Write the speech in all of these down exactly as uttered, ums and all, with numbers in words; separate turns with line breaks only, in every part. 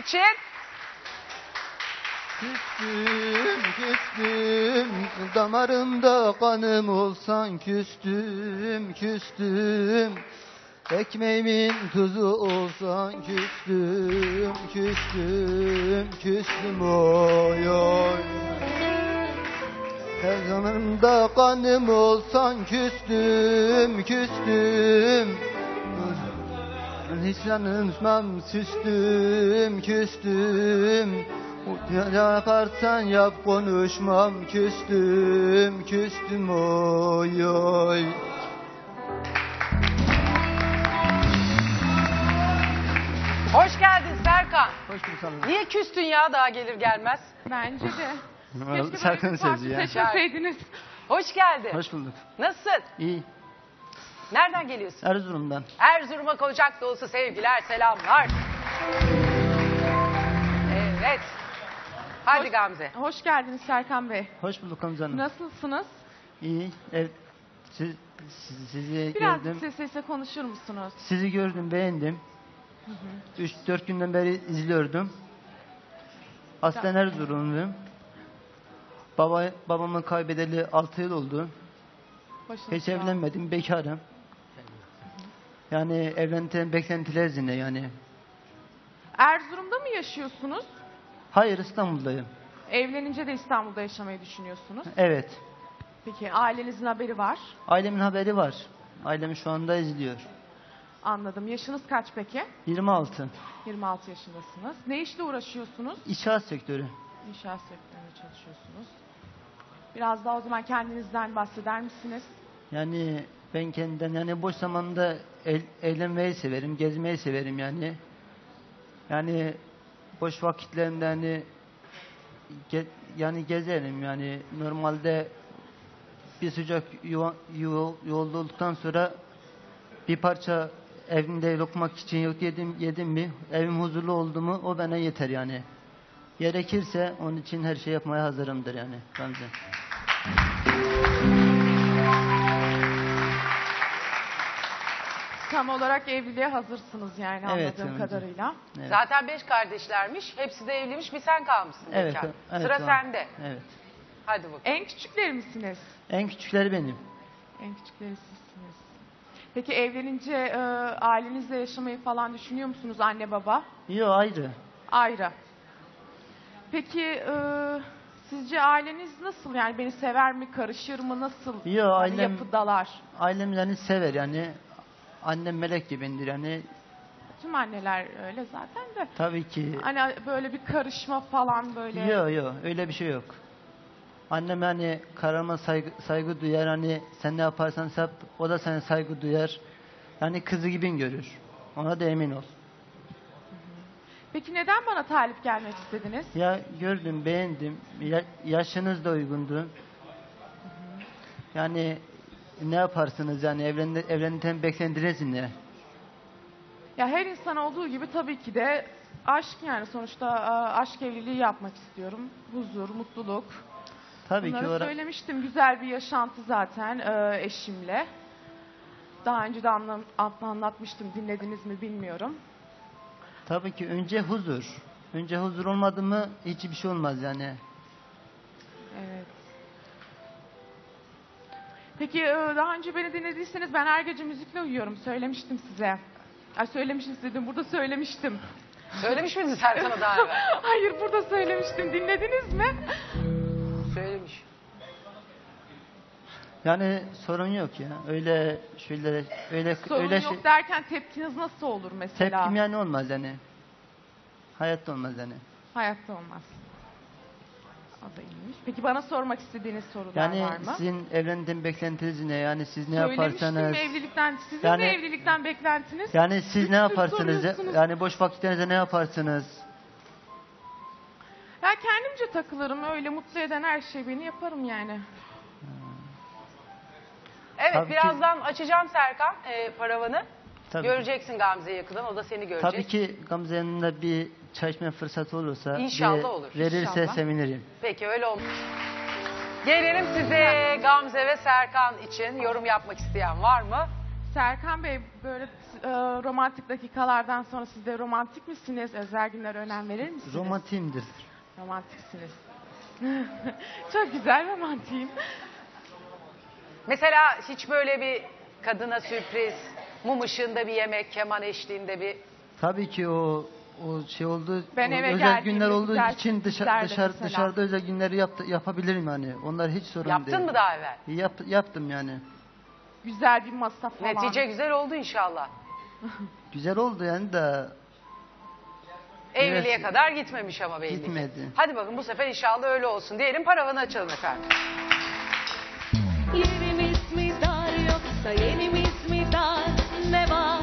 için.
Küstüm, küstüm, damarımda kanım olsan küstüm, küstüm. Ekmeğimin tuzu olsan küstüm, küstüm, küstüm oy oy. Her damarımda kanım olsan küstüm, küstüm. Hiç yanılmam, küstüm, küstüm. Ne yaparsan yap konuşmam, küstüm, küstüm oy oy.
Hoş geldin Serkan.
Hoş bulduk sana.
Niye küstün ya daha gelir gelmez?
Bence de. Keşke
Serkan'ın
böyle bir farklı
sözü ya.
seçmeseydiniz.
Hoş geldin.
Hoş bulduk.
Nasılsın?
İyi.
Nereden geliyorsun?
Erzurum'dan.
Erzurum'a kocak dolusu sevgiler, selamlar. Evet. Hadi
Hoş-
Gamze.
Hoş geldiniz Serkan Bey.
Hoş bulduk amcanım.
Nasılsınız?
İyi. Evet. Siz, siz- sizi
Biraz
gördüm.
ses sesle konuşur musunuz?
Sizi gördüm, beğendim. üç dört günden beri izliyordum. Aslen Erzurumluyum. Baba, babamı kaybedeli altı yıl oldu.
Başınız
Hiç
sağ olsun.
evlenmedim, bekarım. Yani evlentilen beklentiler zine yani.
Erzurum'da mı yaşıyorsunuz?
Hayır, İstanbul'dayım.
Evlenince de İstanbul'da yaşamayı düşünüyorsunuz.
Evet.
Peki ailenizin haberi var.
Ailemin haberi var. Ailem şu anda izliyor.
Anladım. Yaşınız kaç peki?
yirmi altı.
yirmi altı yaşındasınız. Ne işle uğraşıyorsunuz?
İnşaat sektörü.
İnşaat sektöründe çalışıyorsunuz. Biraz daha o zaman kendinizden bahseder misiniz?
Yani ben kendimden yani boş zamanda el, eğlenmeyi severim, gezmeyi severim yani. Yani boş vakitlerimde hani ge- yani gezerim yani normalde bir sıcak yuva, yuva, yolda olduktan sonra bir parça evimde lokmak için yok yedim yedim mi evim huzurlu oldu mu o bana yeter yani. Gerekirse onun için her şey yapmaya hazırımdır yani bence.
Tam olarak evliliğe hazırsınız yani
Evet,
anladığım
evet.
kadarıyla.
Evet.
Zaten beş kardeşlermiş. Hepsi de evliymiş. Bir sen kalmışsın.
Evet,
bekar.
evet,
Sıra
tamam.
sende.
Evet.
Hadi bakalım.
En küçükleri misiniz?
En küçükleri benim.
En küçükleri sizsiniz. Peki evlenince e, ailenizle yaşamayı falan düşünüyor musunuz anne baba?
Yok ayrı.
Ayrı. Peki e, sizce aileniz nasıl? Yani beni sever mi, karışır mı, nasıl?
Yo,
Yani
ailem-
yapıdalar.
Ailem yani sever yani. Annem melek gibidir yani.
Tüm anneler öyle zaten de.
Tabii ki.
Hani böyle bir karışma falan böyle.
Yok yok öyle bir şey yok. Annem yani kararıma saygı, saygı duyar hani sen ne yaparsan yap o da sana saygı duyar. Yani kızı gibi görür. Ona da emin ol.
Peki neden bana talip gelmek istediniz?
Ya gördüm beğendim. Ya, yaşınız da uygundu. Yani ne yaparsınız yani evlen, evlenirken beklentiniz ne?
Ya her insan olduğu gibi tabii ki de aşk yani sonuçta e, aşk evliliği yapmak istiyorum. Huzur, mutluluk.
Tabii
Bunları
ki ora-
söylemiştim. Güzel bir yaşantı zaten e, eşimle. Daha önce de anla- anlatmıştım. Dinlediniz mi bilmiyorum.
Tabii ki önce huzur. Önce huzur olmadı mı hiçbir şey olmaz yani.
Evet. Peki e, daha önce beni dinlediyseniz ben her gece müzikle uyuyorum. Söylemiştim size. Ay söylemişim dedim. Burada söylemiştim.
Söylemiş miydin Serkan'a daha evvel?
Hayır burada söylemiştim. Dinlediniz mi?
Söylemiş.
Yani sorun yok ya. Öyle şöyle öyle
Sorun
öyle
yok
şey.
derken tepkiniz nasıl olur mesela?
Tepkim yani olmaz yani. Hayatta olmaz yani.
Hayatta olmaz. O da iyiymiş. Peki bana sormak istediğiniz sorular
Yani
var mı?
sizin evlendiğin beklentiniz ne? Yani siz ne
Söylemiştim
yaparsanız
evlilikten. Sizin
Yani-
de evlilikten beklentiniz?
yani siz
Üç
ne
tür
yaparsınız?
soruyorsunuz.
Yani boş vakitlerinizde ne yaparsınız?
Ya kendimce takılırım. Öyle mutlu eden her şey beni yaparım yani.
Evet
Tabii ki-
birazdan açacağım Serkan e, paravanı.
Tabii.
Göreceksin Gamze'yi yakından. O da seni görecek.
Tabii ki Gamze yanında bir çay içme fırsatı olursa
İnşallah
bir
olur,
verirse
inşallah.
sevinirim.
Peki öyle olmuş. Gelelim size Gamze ve Serkan için yorum yapmak isteyen var mı?
Serkan Bey, böyle e, romantik dakikalardan sonra siz de romantik misiniz? Özel günlere önem verir misiniz?
Romantiyimdir.
Romantiksiniz. Çok güzel, romantiyim.
Mesela hiç böyle bir kadına sürpriz, mum ışığında bir yemek, keman eşliğinde bir...
Tabii ki o o şey oldu.
Ben
o
eve
özel
geldiğimde
günler olduğu
güzel
için dışa,
sürprizler de
dışarı,
mesela.
dışarıda özel günleri yaptı, yapabilirim yani. Onlar hiç sorun değil.
Yaptın mı daha evvel?
Yap, yaptım yani.
Güzel bir masa falan.
Netice güzel oldu inşallah.
Güzel oldu yani de
Evliliğe
Evet.
kadar gitmemiş ama belli ki.
Gitmedi.
Hadi bakın bu sefer inşallah öyle olsun diyelim. Paravanı açalım efendim.
Yerimiz mi dar yoksa yenimiz mi dar, ne var?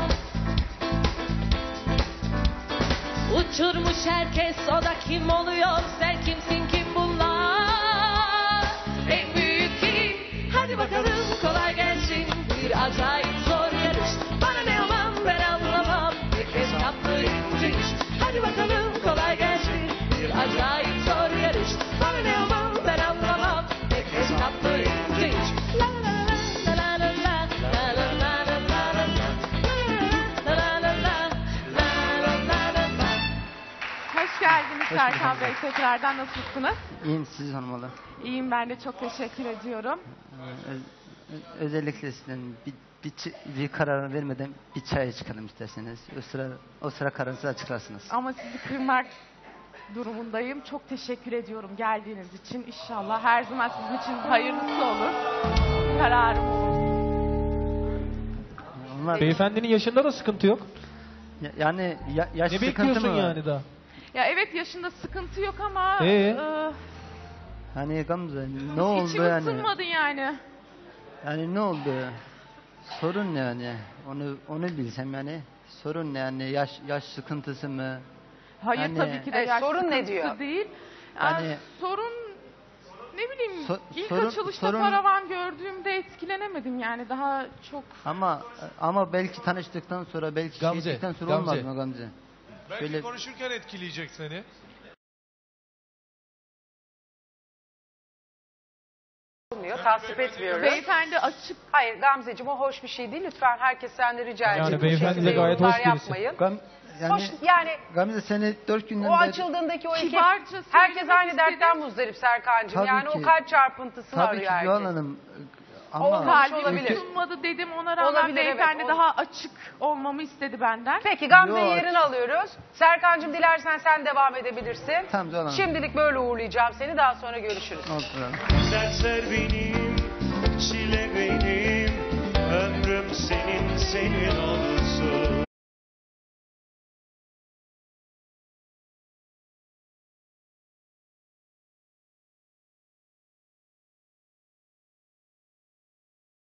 Uçurmuş herkes, o da kim oluyor? Sen kimsin, kim bunlar? En büyük kim? Hadi bakalım, kolay gelsin. Bir acayip zor yarış. Bana ne aman, ben anlamam. Herkes yaptığı ince iş. Hadi bakalım, kolay gelsin. Bir acayip zor yarış. Bana ne aman, ben anlamam. Herkes yaptığı ince iş. La la la la la la la la la la la la la la la la la la.
Hoş geldiniz
Hoş
Serkan
bulduk.
Bey. Tekrardan nasılsınız?
iyiyim siz hanımalı.
İyiyim, ben de çok teşekkür ediyorum.
Ee, öz- ö- özellikle sizden bir, bir, çi- bir karar vermeden bir çaya çıkalım isterseniz. O sıra, o sıra kararınızı açıklarsınız.
Ama sizi kırmak durumundayım. Çok teşekkür ediyorum geldiğiniz için. İnşallah her zaman sizin için hayırlısı olur. Kararım olur.
Onlar,
Beyefendinin yaşında da sıkıntı yok.
Ya- yani ya, yaş
Ne
sıkıntı
bekliyorsun
mı var?
yani daha?
Ya evet, yaşında sıkıntı yok ama
Ee?
e,
Hani Gamze ne oldu
içim
yani?
ısınmadı yani.
Yani ne oldu? Sorun ne yani? Onu onu bilsem yani. Sorun ne yani? Yaş yaş sıkıntısı mı?
Hayır
Yani-
tabii ki de
Evet,
yaş
sorun ne
sıkıntısı
diyor?
değil. Yani,
Yani-
sorun ne bileyim,
So-
ilk
sorun-
açılışta
sorun-
paravan gördüğümde etkilenemedim yani, daha çok.
Ama ama belki tanıştıktan sonra belki
Gamze,
şey ettikten sonra
Gamze.
olmaz mı Gamze?
Belki
Şöyle-
konuşurken etkileyecek seni.
Olmuyor, tasvip etmiyoruz.
Beyefendi açık.
Hayır Gamzeciğim, o hoş bir şey değil. Lütfen herkes senden rica
Yani
edecek. Bu
beyefendi
şekilde
de gayet
yorumlar
hoş birisi.
yapmayın.
Gam, yani
Hoş, yani
Gamze seni dört günden
o
beri
açıldığındaki o iki...
Kibarca
Herkes
söylemek
aynı dertten
istedim.
muzdarip Serkan'cığım.
Tabii
Yani o
ki.
kalp çarpıntısını
tabii ki
arıyor herkes.
Yuhan Hanım ama
Olmaz.
Kalbim
olabilir.
ısınmadı dedim, ona rağmen
Olabilir, evet,
beyefendi
ol-
daha açık olmamı istedi benden.
Peki Gamze'yi
Yok.
yerine alıyoruz. Serkan'cığım dilersen sen devam edebilirsin.
Tamam, Yuhan Hanım.
Şimdilik böyle uğurlayacağım seni. Daha sonra görüşürüz.
oldu.
Dertler benim, çile benim, ömrüm senin, senin olsun.